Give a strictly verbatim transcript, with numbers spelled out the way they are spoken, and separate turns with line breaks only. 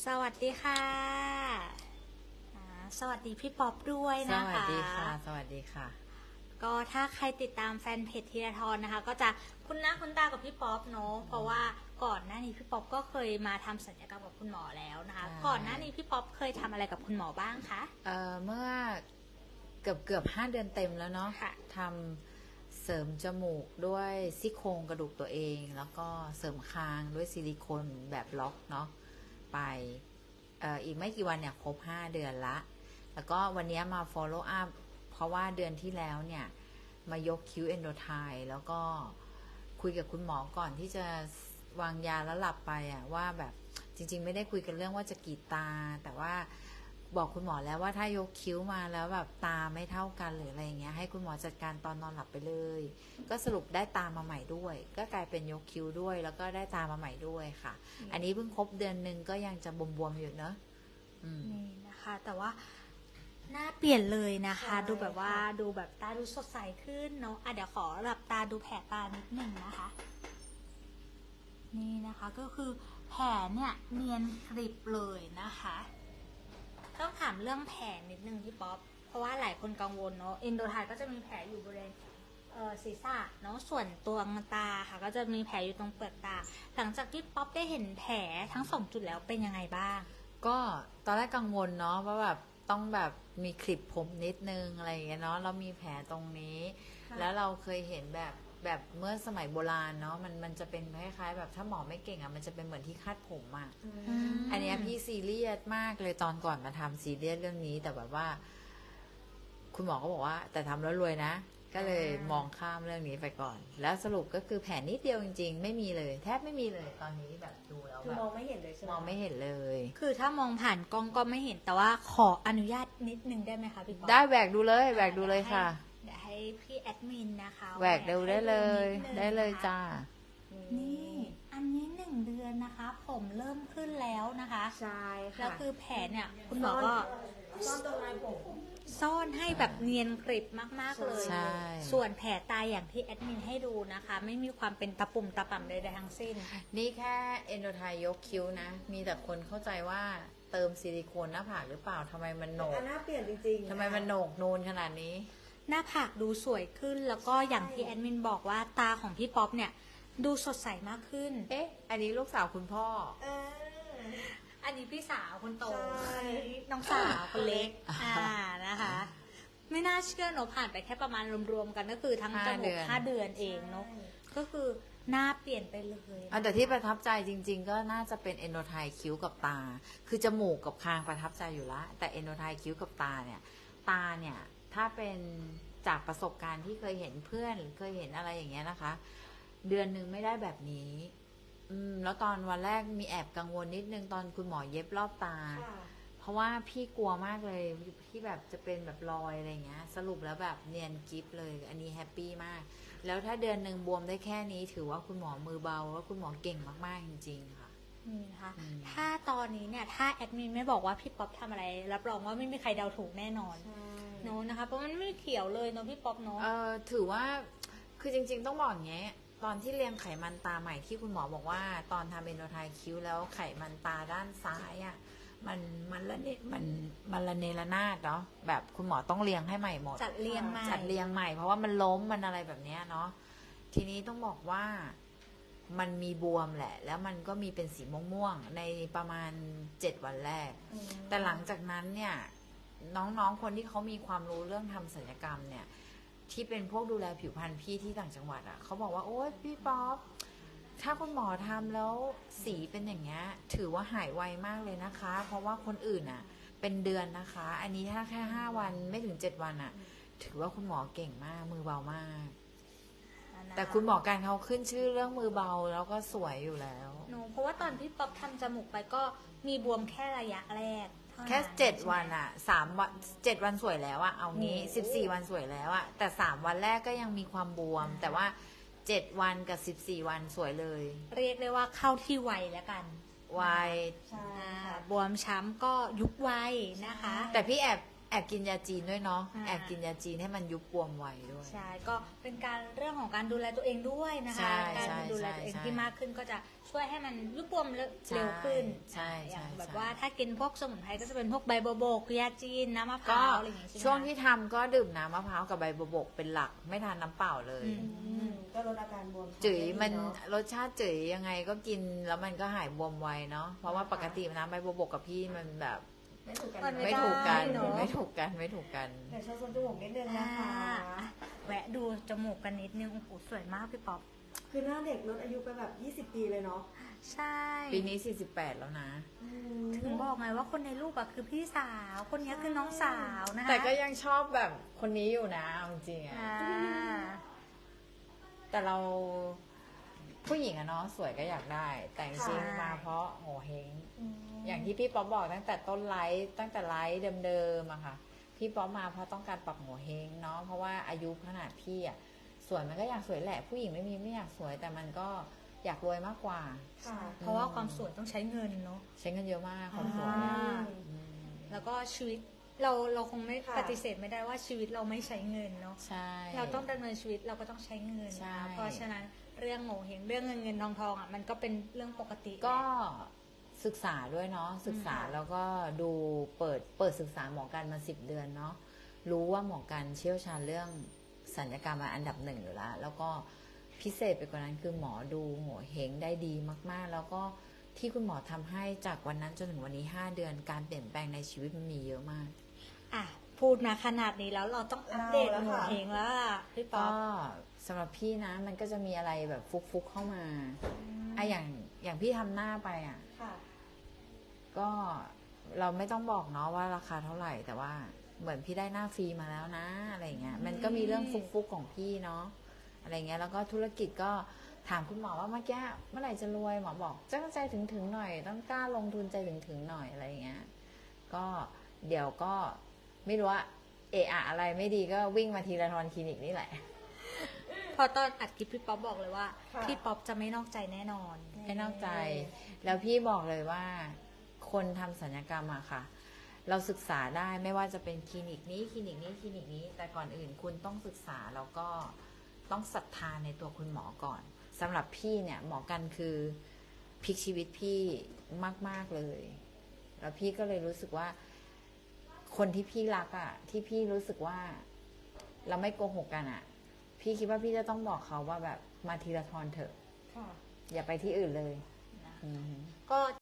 สวัสดีค่ะอ่าสวัสดีพี่ป๊อปด้วย
ส
นะคะ
วัสดีค่ะ สวัสดีค่ะ
ก็ถ้าใครติดตามแฟนเพจธีรทรนะคะ ก็จะคุ้นหน้าคุ้นตากับพี่ป๊อปเนาะเพราะว่าก่อนหน้านี้พี่ป๊อปก็เคยมาทำศัลยกรรมกับคุณหมอแล้วนะคะ
ใช่
ก่อนหน้านี้พี่ป๊อปเคยทำอะไรกับคุณหมอบ้างคะ
เอ่อเมื่อเกือบเกือบห้าเดือนเต็มแล้วเนาะ
ค่ะ
ทำเสริมจมูกด้วยซี่โครงกระดูกตัวเอง แล้วก็เสริมคางด้วยซิลิโคนแบบล็อกเนาะไปเอ่ออีกไม่กี่วันเนี่ยครบห้าเดือนละ แล้วก็วันนี้มา follow up เพราะว่าเดือนที่แล้วเนี่ยมายกคิ้วเอนโดไทแล้วก็คุยกับคุณหมอก่อนที่จะวางยาแล้วหลับไปอะว่าแบบจริงๆไม่ได้คุยกันเรื่องว่าจะกรีดตา แต่ว่าบอกคุณหมอแล้วว่าถ้ายกคิ้วมาแล้วแบบตาไม่เท่ากันหรืออะไรอย่างเงี้ยให้คุณหมอจัดการตอนนอนหลับไปเลย ก็สรุปได้ตามาใหม่ด้วย ก็กลายเป็นยกคิ้วด้วย แล้วก็ได้ตามาใหม่ด้วยค่ะ อันนี้เพิ่งครบเดือนหนึ่งก็ยังจะบวมๆอยู่เนอะอืม
นี่นะคะ แต่ว่าหน้าเปลี่ยนเลยนะคะ
ใช่
ดูแบบว่า
ค่ะ
ดูแบบตาดูสดใสขึ้นเนาะอ่ะเดี๋ยวขอหลับตาดูแผลตานิดหนึ่งนะคะ นี่นะคะก็คือแผลเนี่ยเนียนกริบเลยนะคะ ต้องถามเรื่องแผลนิดนึงพี่ป๊อปเพราะว่าหลายคนกังวลเนาะเอนโดไทก็จะมีแผลอยู่บริเวณเอ่อศีรษะเนาะส่วนตัวตาค่ะ ก็จะมีแผลอยู่ตรงเปลือกตา หลังจากที่ป๊อปได้เห็นแผลทั้งสองจุดแล้วเป็นยังไงบ้าง
ก็ตอนแรกกังวลเนาะว่าแบบต้องแบบมีคลิปผมนิดนึงอะไรอย่างเงี้ยเนาะเรามีแผลตรงนี้
ค่ะ
แล้วเราเคยเห็นแบบแบบเมื่อสมัยโบราณเนาะมันมันจะเป็นคล้ายๆแบบถ้าหมอไม่เก่งอะ่ะมันจะเป็นเหมือนที่คาดผมอะ่ะ
ม
อันเนี้ยพี่ซีเรียสมากเลยตอนก่อนมาทำซีเรียสเรื่องนี้ แต่แบบว่า คุณหมอก็บอกว่า แต่ทำแล้วรวยนะ ก็เลยมองข้ามเรื่องนี้ไปก่อน แล้วสรุปก็คือแผลนิดเดียวจริงๆ ไม่มีเลย แทบไม่มีเลยตอนนี้แบบดูแล้ว
คือ
แบบ
มองไม่เห็นเลยใช่ไหม
มองไม่เห็นเลย
คือถ้ามองผ่านกล้องก็ไม่เห็นแต่ว่าขออนุญาตนิดนึงได้ไหมคะพี่ป๊อป
ได้แหวกดูเลยแหวกดูเลยค่ะ
เดี๋ยวให้พี่แอดมินนะคะ
แหวกดูได้เลย
ให้นินึง
ได้เลย
นะคะ
จ้า
นี่ อันนี้หนึ่งเดือนนะคะ ผมเริ่มขึ้นแล้วนะคะ
ใช่ค่ะ
แล้วคือแผลเนี่ย คุณหมอก็
ซ่อนตรงลายผม
ซ่อนให้แบบเนียนกริบมาก ๆ เลย
ใช่
ส่วนแผลตายอย่างที่แอดมินให้ดูนะคะ ไม่มีความเป็นตะปุ่มตะป่ำใดๆทั้งสิ้น
นี่แค่เอนโดไทยกคิ้วนะ มีแต่คนเข้าใจว่าเติมซิลิโคนหน้าผากหรือเปล่าทำไมมันโหนก
อันหน้าเปลี่ยนจริงๆ
ทำไมมันโหนกนูนขนาดนี้
หน้าผากดูสวยขึ้น แล้วก็อย่างที่แอดมินบอกว่าตาของพี่ป๊อปเนี่ย ดูสดใสมากขึ้น
เอ๊ะ อันนี้ลูกสาวคุณพ่อ
เออ
อันนี้พี่สาวคนโต
ใช่
อันนี้น้องสาวคนเล็ก อ่านะคะ ไม่น่าเชื่อเนอะผ่านไปแค่ประมาณรวมๆกันก็คือทั้ง
ห้า
จมู
เดื
ก
อน
ห้าเดือนเองเนาะ ก็คือหน้าเปลี่ยนไปเลยนะ
อันแต่ที่ประทับใจจริง ๆ ก็น่าจะเป็นเอนโดไทคิ้วกับตา คือจมูกกับคางประทับใจอยู่ละแต่เอนโดไทคิ้วกับตาเนี่ย ตาเนี่ย ถ้าเป็นจากประสบการณ์ที่เคยเห็นเพื่อนหรือเคยเห็นอะไรอย่างเงี้ยนะคะ เดือนหนึ่งไม่ได้แบบนี้ อืม แล้วตอนวันแรกมีแอบกังวลนิดนึงตอนคุณหมอเย็บรอบตา
ค่ะ
เพราะว่าพี่กลัวมากเลยที่แบบจะเป็นแบบรอยอะไรเงี้ย สรุปแล้วแบบเนียนกิฟเลย อันนี้แฮปปี้มาก แล้วถ้าเดือนหนึ่งบวมได้แค่นี้ถือว่าคุณหมอมือเบาแล้วคุณหมอเก่งมากๆจริงๆค่ะ
นี่นะคะ
อืม
ถ้าตอนนี้เนี่ย ถ้าแอดมินไม่บอกว่าพี่ป๊อปทำอะไร รับรองว่าไม่มีใครเดาถูกแน่นอน
ใช่
เนอะนะคะ เพราะมันไม่เขียวเลยเนอะพี่ป๊อปเนอะ
เออถือว่าคือจริงๆต้องบอกอย่างเงี้ยตอนที่เรียงไขมันตาใหม่ที่คุณหมอบอกว่า ตอนทำเอนโดไทคิ้วแล้วไขมันตาด้านซ้ายอ่ะมันมันละเนมันมันละเนระนาดเนาะแบบคุณหมอต้องเรียงให้ใหม่หมด
จัดเรียงใหม่
จัดเรียงใหม่ เพราะว่ามันล้มมันอะไรแบบเนี้ยเนาะทีนี้ต้องบอกว่ามันมีบวมแหละ แล้วมันก็มีเป็นสีม่วงๆในประมาณเจ็ดวันแรก
อืม
แต่หลังจากนั้นเนี่ย น้องๆคนที่เขามีความรู้เรื่องทำศัลยกรรมเนี่ย ที่เป็นพวกดูแลผิวพรรณพี่ที่ต่างจังหวัดอะ่ะเขาบอกว่าโอ๊ยพี่ป๊อปถ้าคุณหมอทำแล้วสีเป็นอย่างเงี้ยถือว่าหายไวมากเลยนะคะ เพราะว่าคนอื่นอะ่ะ เป็นเดือนนะคะ อันนี้ถ้าแค่ห้าวันไม่ถึงเจ็ดวันอะ่ะ ถือว่าคุณหมอเก่งมากมือเบามาก
นะคะ
แต่คุณหมอการเขาขึ้นชื่อเรื่องมือเบาแล้วก็สวยอยู่แล้ว
หนูเพราะว่าตอนพี่ป๊อปทำจมูกไปก็มีบวมแค่ระยะแรกเท่านั้น
แค่เจ็ดวันอะสามวันเจ็ดวันสวยแล้วอะเอางี้สิบสี่วันสวยแล้วอะแต่สามวันแรกก็ยังมีความบวม แต่ว่าเจ็ดวันกับสิบสี่วันสวยเลย
เรียกได้ว่าเข้าที่ไวแล้วกัน
ไว
ใช่
อ่า
ค่ะ
บวมช้ำก็ยุบไวนะคะ
แต่พี่แอบแอบกินยาจีนด้วยเนาะ
อ่า
แอบกินยาจีนให้มันยุบบวมไวด้วย
ใช่ ก็เป็นการเรื่องของการดูแลตัวเองด้วยนะ
ใช่
คะ การ
ใช่
ดูแลตัวเอง
ใช่
ที่มากขึ้นก็จะช่วยให้มันยุบบวมเร็ว
ใช่
เร็วขึ้น
ใช่
อ่ะอย่าง
ใช่
แบบ
ใช่
ว่าถ้ากินพวกสมุนไพรก็จะเป็นพวกใบบัวบกยาจีนน้ำมะพ
ก็
ร้าวอะไรอย่างงี้ใช่ไหม
ช่วง
คะ
ที่ทำก็ดื่มน้ำมะพร้าวกับใบบัวบกเป็นหลักไม่ทานน้ำเปล่าเลย
อื
อืมก็ลดอาการบวม
จื๋ยมัน
ได้ดีเอะ
รสชาติจื๋ยยังไงก็กินแล้วมันก็หายบวมไวเนาะเพราะว่าปกติน้ำใบบัวบกกับพี่มันแบบ
ไม่ถูกกัน
มัน
ไม่ถูกกัน
ได้เนอะ
ไม่ถูกกันไม่ถูกกัน
เดี๋ยวโชว์ทรงจมูกนิดนึง
อ่า
นะคะ
แวะดูจมูกกันนิดนึงโอ้โหสวยมากพี่ป๊อป
คือหน้าเด็กลดอายุไปแบบ ยี่สิบ ปีเลยเนาะ
ใช่
ปีนี้สี่สิบแปดแล้วนะ
อืม
ถึงบอกไงว่าคนในรูปอะคือพี่สาวคนนี้คือน้องสาวนะคะ
แต่ก็ยังชอบแบบคนนี้อยู่นะเอาจริงๆอะ
อ่า
แต่เราผู้หญิงอะเนาะสวยก็อยากได้ แต่จริงๆมาเพราะโหเฮง อย่างที่พี่ป๊อปบอกตั้งแต่ต้นไลฟ์ตั้งแต่ไลฟ์เดิมๆอะค่ะ พี่ป๊อปมาเพราะต้องการปรับหัวเฮงเนาะเพราะว่าอายุขนาดพี่อะสวยมันก็อยากสวยแหละ ผู้หญิงไม่มีไม่อยากสวย แต่มันก็อยากรวยมากกว่า
ค่ะ
เพราะว่าความสวยต้องใช้เงินเนาะ
ใช้เงินเยอะมากความสวย
อ่า
อะ
อืม
อืม
แล้วก็ชีวิตเราเราคงไม่
ค่ะ
ปฏิเสธไม่ได้ว่าชีวิตเราไม่ใช้เงินเนาะ
ใช่
เราต้องดำเนินชีวิตเราก็ต้องใช้เงิน
ใช่
นะเพราะฉะนั้นเรื่องโง่เฮงเรื่องเงินเงินทองทองอ่ะมันก็เป็นเรื่องปกติ
ก็
แหละ
ศึกษาด้วยเนาะศึกษา
ค่ะ
แล้วก็ดูเปิดเปิดศึกษาหมอกันมาสิบเดือนเนาะรู้ว่าหมอกันเชี่ยวชาญเรื่องศัลยกรรมมาอันดับหนึ่งอยู่แล้ว แล้วก็พิเศษไปกว่านั้นคือหมอดูหัวเฮงได้ดีมากๆ แล้วก็ที่คุณหมอทำให้จากวันนั้นจนถึงวันนี้ห้าเดือนการเปลี่ยนแปลงในชีวิตมันมีเยอะมาก
อ่ะพูดมาขนาดนี้แล้วเราต้องอัปเดต
เอาแล้ว
โง่
ค่ะ
เฮงแล้วล่ะพี่ป๊อ
ก็
ป
สำหรับพี่นะมันก็จะมีอะไรแบบฟุกๆเข้ามาไอะอย่างอย่างพี่ทำหน้าไปอ่ะ
ค่ะ
ก็เราไม่ต้องบอกเนาะว่าราคาเท่าไหร่ แต่ว่าเหมือนพี่ได้หน้าฟรีมาแล้วนะอะไรเงี้ยมันก็มีเรื่องฟุกๆของพี่เนาะอะไรเงี้ยแล้วก็ธุรกิจก็ถามคุณหมอว่าเมื่อกี้เมื่อไหร่จะรวยหมอบอกจ้างใจถึงถึงๆหน่อย ต้องกล้าลงทุนใจถึงถึงๆหน่อยอะไรเงี้ยก็เดี๋ยวก็ไม่รู้ว่าเอะอะอะไรไม่ดีก็วิ่งมาทีละทอนคลินิกนี่แหละ
พอตอนอัดคลิปพี่ป๊อปบอกเลยว่า
ค่ะ
พี่ป๊อปจะไม่นอกใจแน่นอน
ไม่นอกใจ แล้วพี่บอกเลยว่า คนทำศัลยกรรมอะค่ะ เราศึกษาได้ไม่ว่าจะเป็นคลินิกนี้คลินิกนี้คลินิกนี้ แต่ก่อนอื่นคุณต้องศึกษาแล้วก็ต้องศรัทธาในตัวคุณหมอก่อนสำหรับพี่เนี่ยหมอกันคือพลิกชีวิตพี่มาก ๆเลย แล้วพี่ก็เลยรู้สึกว่า คนที่พี่รักอะที่พี่รู้สึกว่า เราไม่โกหกกันอะพี่คิดว่าพี่จะต้องบอกเขาว่าแบบมาทีละทอนเถอะ
ค่ะ
อย่าไปที่อื่นเลยอืม
ก็